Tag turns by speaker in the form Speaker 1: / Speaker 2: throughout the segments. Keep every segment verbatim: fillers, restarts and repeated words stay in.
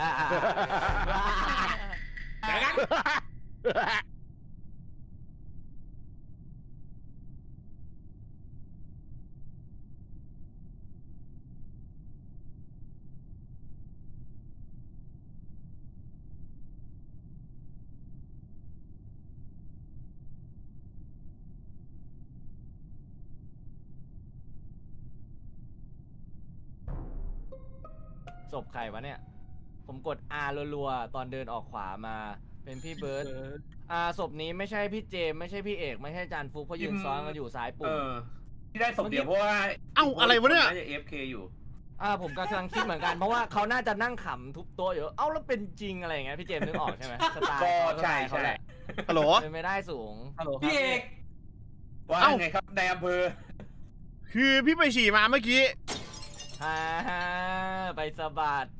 Speaker 1: เดี๋ยวกัน
Speaker 2: ศพใครวะเนี่ยผมกด R รัวๆตอนเดินออกขวามาเป็นพี่เบิร์ดอ่าศพนี้ไม่ใช่พี่เจมไม่ใช่พี่เอกไม่ใช่จานฟุกเพราะยืนซ้อนกันอยู่ซ้ายปุ่ม
Speaker 1: ที่ได้ศพเดียวเพราะว่า
Speaker 3: เอ้าอะไรวะเนี่ย
Speaker 1: น่าจะ เอฟ เค อยู่
Speaker 2: อ่าผมกำลังคิดเหมือนกันเพราะว่าเขาน่าจะนั่งขำทุบโต๊ะอยู่เอ้าแล้วเป็นจริงอะไรอย่างเงี้ยพี่เจมนึกออกใช่ไหมสไตล์เขาใช่เขาแหละ
Speaker 3: ฮัลโหล
Speaker 2: เป็นไม่ได้สูงฮัลโหล
Speaker 1: พี่เอกว่าไงครับในอำเภอ
Speaker 3: คือพี่ไปฉี่มาเมื่อกี้
Speaker 2: ฮ่าไปสะบัด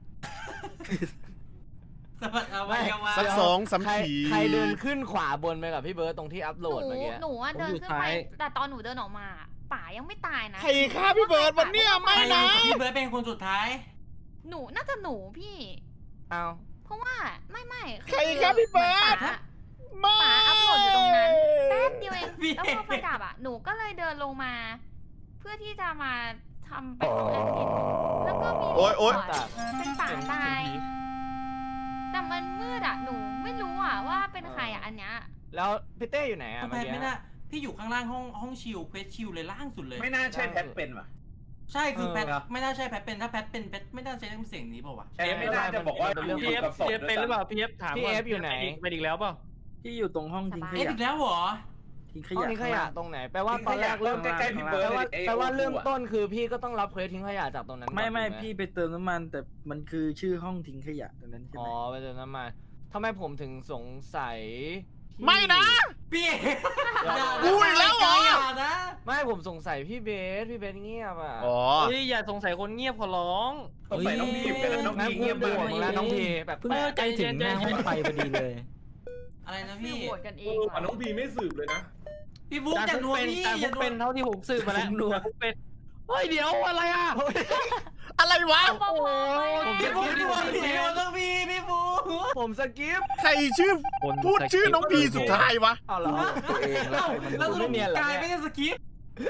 Speaker 1: สะบัดเอาไว้เอาไว้
Speaker 3: สักสองสามที
Speaker 2: ใครเดินขึ้นขวาบนไปกับพี่เบิร์ดตรงที่อัพโหลดเมื่อกี้
Speaker 4: หนูอ่ะเดินขึ้นไปแต่ตอนหนูเดินออกมาป่ายังไม่ตายนะ
Speaker 3: ใครฆ่าพี่เบิร์ดวันเนี้ยไม่นะ
Speaker 1: พี่เบิร์ดเป็นคนสุดท้าย
Speaker 4: หนูน่าจะหนูพี่
Speaker 2: เอา
Speaker 4: เพราะว่าไม่ไม่
Speaker 3: ใครฆ่าพี่เบิร์ด
Speaker 4: ป่าอัพโหลดอยู่ตรงนั้นแป๊บเดียวเองแล้วพอไฟดับอ่ะหนูก็เลยเดินลงมาเพื่อที่จะมาทำไปของแอดมินแล้วก็มีเป็นป่าตายแต่มันมืดอ่ะหนูไม่รู้อ่ะว่าเป็นใครอ่ะอันเนี้ย
Speaker 2: แล้วพี่เต้อยู่ไหนอ่ะเมื่อกี้
Speaker 1: ไม่น่าพี่อยู่ข้างล่างห้องห้องชิลเควสชิลเลยล่างสุดเลย
Speaker 5: ไม่น่าใช่แพทเป็นว่ะ
Speaker 1: ใช่คือแพทไม่น่าใช่แพทเป็นถ้าแพทเป็นแพทไม่น่าใช้เสียงนี้เปล่าวะ
Speaker 5: ใช่ไม่น่าจะบอกว่า
Speaker 6: พีเอฟพีเอฟเป็นหรือเปล่าพีเอฟถาม
Speaker 2: พี่เอฟอยู่ไหน
Speaker 6: ไปอีกแล้วเปล่า
Speaker 7: พี่อยู่ตรงห้องทิ้งขยะ
Speaker 1: อีกแล้วเหรอ
Speaker 7: ทิ้งข
Speaker 2: ยะทิ้งขยะตรงไหนแปลว่าตอนแรกเริ่ม
Speaker 5: ใกล้ๆพี่เบิร์ด
Speaker 2: แปลว่าเริ่มต้นคือพี่ก็ต้องรับเควสทิ้งขยะจากตรงนั้น
Speaker 7: ไม่ไม่พี่ไปเติมน้ำมันแต่มันคือชื่อห้องทิ้งขยะตรงนั้นใช่ไหม
Speaker 2: อ๋อไปเติมน้ำมันทำไมผมถึงสงสัย
Speaker 3: ไม่นะ
Speaker 1: พี่
Speaker 3: กูอีกแล้วเหรอ
Speaker 2: ไม่ผมสงสัยพี่เบสพี่เบสเงียบอ่ะ
Speaker 3: อ๋อ
Speaker 6: อย่าสงสัยคนเงียบขอร้อง
Speaker 5: สงสัยน้องพีเป็นน้องพีเงียบมาก
Speaker 2: แล้วน้องพีแบบ
Speaker 7: เพิ่งใจถึงหน้าห้องไฟพอดีเลย
Speaker 1: อะไรนะพี่
Speaker 4: โหวตกันเอง
Speaker 5: น้องพีไม่สืบเลยนะ
Speaker 1: พี่บุ๊กแต่นัวพี่
Speaker 6: แต่บุ๊กเป็นเท่าที่ผมสืบมาแล้วนัวบุ๊กเป็นเฮ้ยเดี๋ยวอะไรอ่ะ
Speaker 3: อะไรวะ
Speaker 1: พี่บุ๊กพี่บุ๊กพี่บุ๊กต้องพี่พี่บุ๊ก
Speaker 2: ผมสกิป
Speaker 3: ใครชื่อพูดชื่อน้องพีสุดท้ายวะ
Speaker 2: เอาเหรอ
Speaker 7: ตัวเองแล้ว
Speaker 1: แล้วไม่เนียนหรอกายไม่ได้สกิป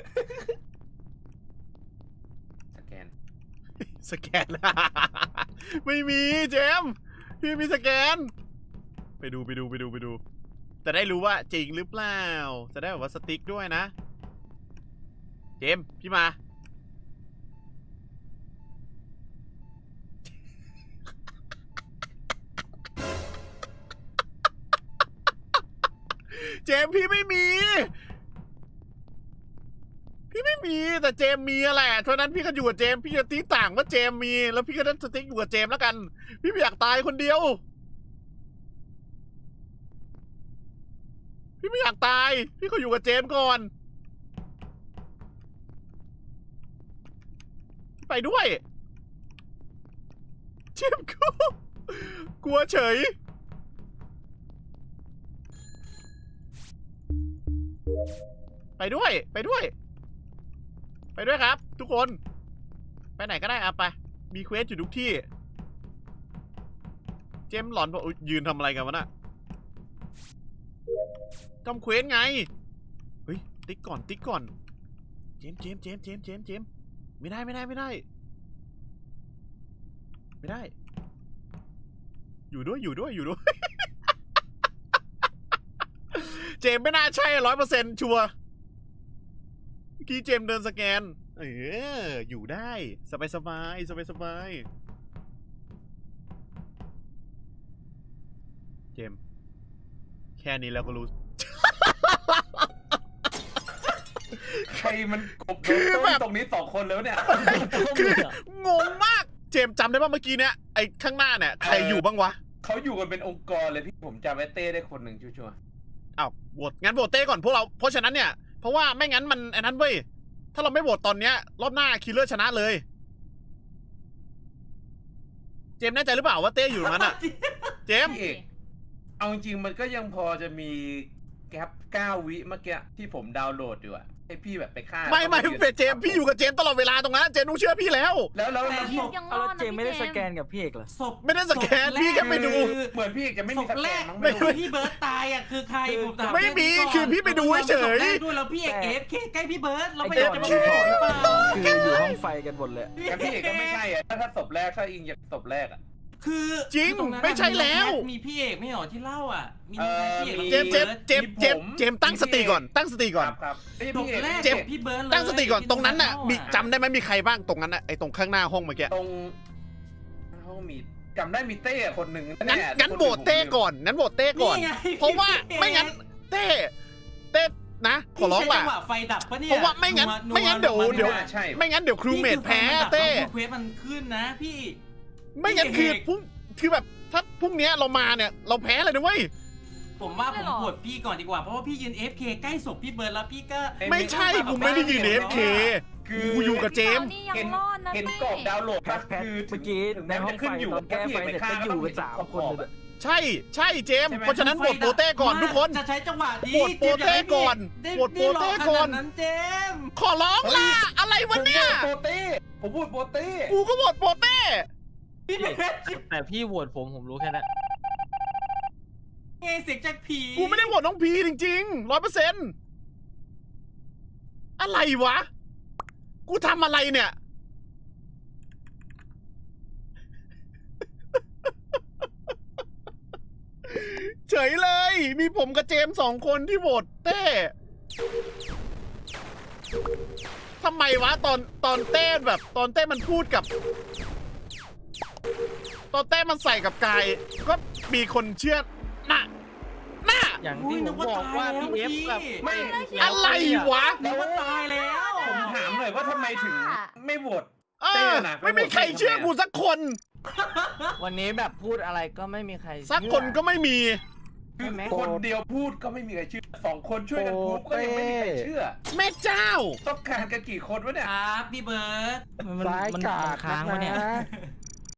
Speaker 5: สแกน
Speaker 3: สแกนไม่มีเจมพี่มีสแกนไปดูไปดูไปดูไปดูจะได้รู้ว่าจริงหรือเปล่าจะได้แบบว่าสติ๊กด้วยนะเจมพี่มาเจมพี่ไม่มีพี่ไม่มีแต่เจมมีแหละเพราะนั้นพี่ก็อยู่กับเจมพี่จะตีต่างว่าเจมมีแล้วพี่ก็ได้สติ๊กอยู่กับเจมแล้วกันพี่ไม่อยากตายคนเดียวพี่ไม่อยากตายพี่ก็อยู่กับเจมก่อนไปด้วยเจมกูกลัวเฉยไปด้วยไปด้วยไปด้วยครับทุกคนไปไหนก็ได้อะไปมีเควสอยู่ทุกที่เจมหลอนบอกยืนทำอะไรกันวะน่ะทำเควสไงเฮ้ยติ๊กก่อนติ๊กก่อนเจมเจมเจมเจมเจมเจมไม่ได้ไม่ได้ไม่ได้ไม่ได้อยู่ด้วยอยู่ด้วยอยู่ด้วยเจมไม่น่าใช่ร้อยเปอร์เซ็นต์ชัวร์เมื่อกี้เจมเดินสแกนเอออยู่ได้สบายสบายสบายสบายเจมแค่นี้แล้วก็รู้
Speaker 5: ใครมันกบคือแบบตรงนี้สองคนแล้วเนี่ย
Speaker 3: คืองงมากเจมจำได้ป่ะเมื่อกี้เนี้ยไอ้ข้างหน้าเนี่ยใครอยู่บ้างวะ
Speaker 5: เขาอยู่กันเป็นองค์กรเลยพี่ผมจำไอ้เต้ได้คนหนึ่งชัวร์
Speaker 3: อ้าวโหวตงั้นโหวตเต้ก่อนพวกเราเพราะฉะนั้นเนี่ยเพราะว่าไม่งั้นมันไอ้นั้นเว้ยถ้าเราไม่โหวตตอนเนี้ยรอบหน้าคิลเลอร์ชนะเลยเจมแน่ใจหรือเปล่าว่าเต้อยู่มันอะเจม
Speaker 5: เอกเอาจริงมันก็ยังพอจะมีแกปเก้าวิเมื่อกี้ที่ผมดาวน์โหลดอยู่อะไอให้พี่แบบไปฆ่า
Speaker 3: ไม่ไม่เป็นเจมส์พี่อยู่กับเจมส์ตลอดเวลาตรงนั้นเจมส์ต้องเชื่อพี่แล้ว
Speaker 5: แล้วแล้ว
Speaker 1: แต่
Speaker 5: แล้ว
Speaker 1: ศ
Speaker 5: พี่
Speaker 1: พ
Speaker 4: ยังร
Speaker 7: เอา
Speaker 4: อ
Speaker 7: แล้ว
Speaker 4: ด
Speaker 7: เจ
Speaker 4: นะ
Speaker 7: มไม่ได้
Speaker 4: พี่
Speaker 7: ส
Speaker 4: เจ
Speaker 7: แกนกับพี่เอกเหรอ
Speaker 1: ศพ
Speaker 3: ไม่ได้สแกนพี่แค่ไปดู
Speaker 1: คือ
Speaker 5: เหมือนพี่จะไม่มี
Speaker 1: ศพ
Speaker 5: สแก
Speaker 1: แร
Speaker 5: น
Speaker 1: ก
Speaker 5: มั้ง
Speaker 3: ไม่
Speaker 5: ไม่รู้
Speaker 1: ที่เบิร์ตตายอ่ะคือใครผมถาม
Speaker 3: ไม่มี
Speaker 1: แนี้ก่น
Speaker 3: คือพี่ไปดูเฉย
Speaker 1: ศพแรกด้วยแล้วพี่เอกเอฟเคใกล้พี่เบิร์ตเรา
Speaker 7: ไอ้
Speaker 1: ไม่
Speaker 7: จ
Speaker 1: ได้
Speaker 7: อด
Speaker 1: จะมา
Speaker 7: ชื่อ
Speaker 1: พูดหรือเปล่า
Speaker 7: คืออยู่ห้องไฟกันหมดเลย
Speaker 5: แต่พี่เอกก็ไม่ใช่อะถ้าถ้าศพแรกถ้าอิงจากศพแรกอะ
Speaker 1: คือ
Speaker 3: จริง
Speaker 1: คือตนั้น
Speaker 3: ไม่ใช่แล้ว
Speaker 1: มีพี่เอกไม่เหรอที่เล่าอ่ะมี
Speaker 5: เอ่อ
Speaker 1: พี่เอก
Speaker 5: มี
Speaker 3: เจมส์เจมส์เจมส์เจมส์เจมส์ตั้งสติก่อนตั้งสติก่อน
Speaker 5: ครับครับไม่ใช่
Speaker 1: ศ
Speaker 5: พี่
Speaker 1: พ
Speaker 5: เอก
Speaker 1: แรก
Speaker 3: เจมส์
Speaker 1: พี่เบิร์ตเลย
Speaker 3: ตั้งสติก่อนตรงนั้นน่ะมี
Speaker 1: ที่
Speaker 3: จำได้ไหมมีใครบ้างตรงนั้นน่ะไอ้ตรงข้างหน้าห้องเมื่อกี้
Speaker 5: ตรงห้องมีจำได้มีเต้คนหนึ่ง
Speaker 3: งั้นงั้นโหวตเต้ก่อนงั้นโหวตเต้ก่อน
Speaker 1: ไง
Speaker 3: เพราะว่าไม่งั้นเต้เต้นะขอร้อง
Speaker 1: พี่ใช้
Speaker 3: ล่ะ
Speaker 1: จังหวะไฟดับปะเนี่ย
Speaker 3: เพราะว่าไม่งั้น
Speaker 1: นั
Speaker 3: ไม่งั้นเดี๋ยว
Speaker 1: นั
Speaker 3: เดี๋ยว
Speaker 5: ใช่
Speaker 3: ไม่งั้นเดี๋ยวครูเมทแพ้เต้
Speaker 1: เควสมันขึ้นนะพี่
Speaker 3: ไม่งั้นคือพรุ่งคือแบบถ้าพรุ่งนี้เรามาเนี่ยเราแพ้เลยนะเว้ย
Speaker 1: ผมว่าผมโหวตพี่ก่อนดีกว่าเพราะว่าพี่ยืน เอฟ เค ใกล้ศพพี่เบิร์ดแล้วพี่ก็
Speaker 3: ไม่ใช่กูไม่ได้ยืนเอฟเค
Speaker 5: คือ
Speaker 3: กูอยู่กับเจมส์
Speaker 4: นี่ยังรอดนะ
Speaker 5: เห็น
Speaker 4: พี่
Speaker 5: กรอบดาวน์โหลด
Speaker 7: แพ
Speaker 5: ปะ
Speaker 7: ทแพท
Speaker 5: คือ
Speaker 7: เมื่อกี้
Speaker 5: ถึง
Speaker 7: ใน
Speaker 5: แม้
Speaker 7: ห้
Speaker 5: มั
Speaker 7: อน ง
Speaker 5: จะขึ้
Speaker 7: ไฟ
Speaker 5: นอยู่
Speaker 7: ตอนแก้ไฟเสร็จก็อยู่กันสามคนเลย
Speaker 3: ใช่ใช่เจมส์เพราะฉะนั้นโหวตโปเต้ก่อนทุกคน
Speaker 1: จะใช้จังหวะนี้
Speaker 3: โหวตโปเต้ก่อน
Speaker 1: ได้
Speaker 3: โหวตโปเต้ก่อน
Speaker 1: ได้รขนาดนั้นเจมส์
Speaker 3: ขอร้องล่ะอะไรวะเนี่ย
Speaker 5: โปเต้ผมพูดโปเต้
Speaker 3: กูก็โหวตโปเต้
Speaker 1: พี่เบิร์ด
Speaker 6: แต่พี่โหวตผมผมรู้แค่นั้น
Speaker 1: ไงเสียงจากผี
Speaker 3: กูไม่ได้โหวตน้องพีจริงๆร้อยเปอร์เซ็นต์อะไรวะ กูทำอะไรเนี่ย เฉยเลย มีผมกับเจมส์สองคนที่โหวตเต้ทำไมวะตอนตอนเต้แบบ ตอนเต้มันพูดกับ ตอนเต้มันใส่กับกาย ก็มีคนเชื่อน่ะน่ะ
Speaker 6: อย่างที่ผมบอกว่าพี่เอฟกับ
Speaker 5: ไม่
Speaker 3: อะไรวะ
Speaker 1: นึกว่าตายแล้ว
Speaker 5: ผมถามหน่อยว่าทำไมถึงไม่โหวต
Speaker 3: เอ
Speaker 5: เต้
Speaker 3: อ
Speaker 5: น่ะ
Speaker 3: ไม่มีใครเชื่อกูสักคน
Speaker 2: วันนี้แบบพูดอะไรก็ไม่มีใคร
Speaker 3: สักคนก็ไม่มี
Speaker 5: คือคนเดียวพูดก็ไม่มีใครเชื่อสองคนช่วยกันพูดก็ยังไม่มีใครเชื่อ
Speaker 3: แม่เจ้า
Speaker 5: ต้องการกันกี่คนวะเนี่ย
Speaker 1: ครับพี่เบิร์ด
Speaker 6: มันมันมันค้างวะเนี่ย